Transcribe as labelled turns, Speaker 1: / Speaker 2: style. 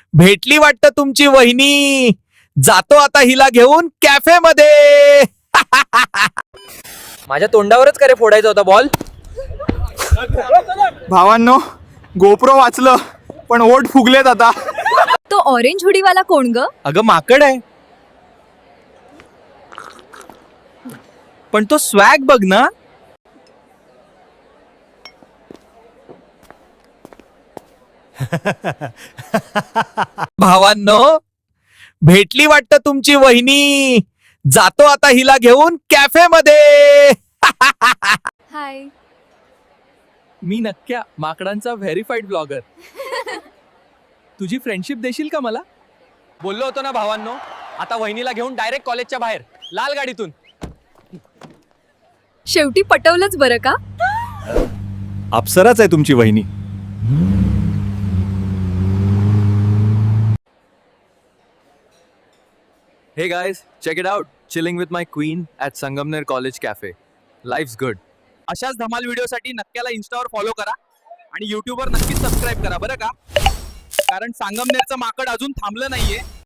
Speaker 1: भेटली वाटतं तुमची वहिनी. जातो आता हिला घेऊन कॅफे मध्ये.
Speaker 2: माझ्या तोंडावरच करे फोडायचा होता बॉल.
Speaker 3: भावांनो, गोप्रो वाचलं पण ओठ फुगलेत आता.
Speaker 4: तो ऑरेंज हुडीवाला कोण ग?
Speaker 1: अगं माकड आहे. पण तो स्वॅग बघ ना. भावांनो, भेटली वाटतं तुमची वहिनी. जातो आता हिला घेऊन कॅफे मध्ये.
Speaker 4: हाय.
Speaker 1: मी नक्क्या, माकडांचा व्हेरीफाईड ब्लॉगर. तुझी फ्रेंडशिप देशील का मला?
Speaker 2: बोललो होतो ना भावांनो, आता वहिनीला घेऊन डायरेक्ट कॉलेजच्या बाहेर लाल गाडीतून.
Speaker 4: शेवटी पटवलंच बरं का?
Speaker 3: अप्सराच आहे तुमची वहिनी.
Speaker 1: Hey guys, check it out. Chilling with my queen at Sangamner College Cafe. Life's good.
Speaker 2: अशाच धमाल व्हिडिओसाठी नक्क्याला इन्स्टावर फॉलो करा आणि युट्यूबवर नक्कीच सबस्क्राईब करा बरं का, कारण संगमनेरचं माकड अजून थांबलं नाहीये.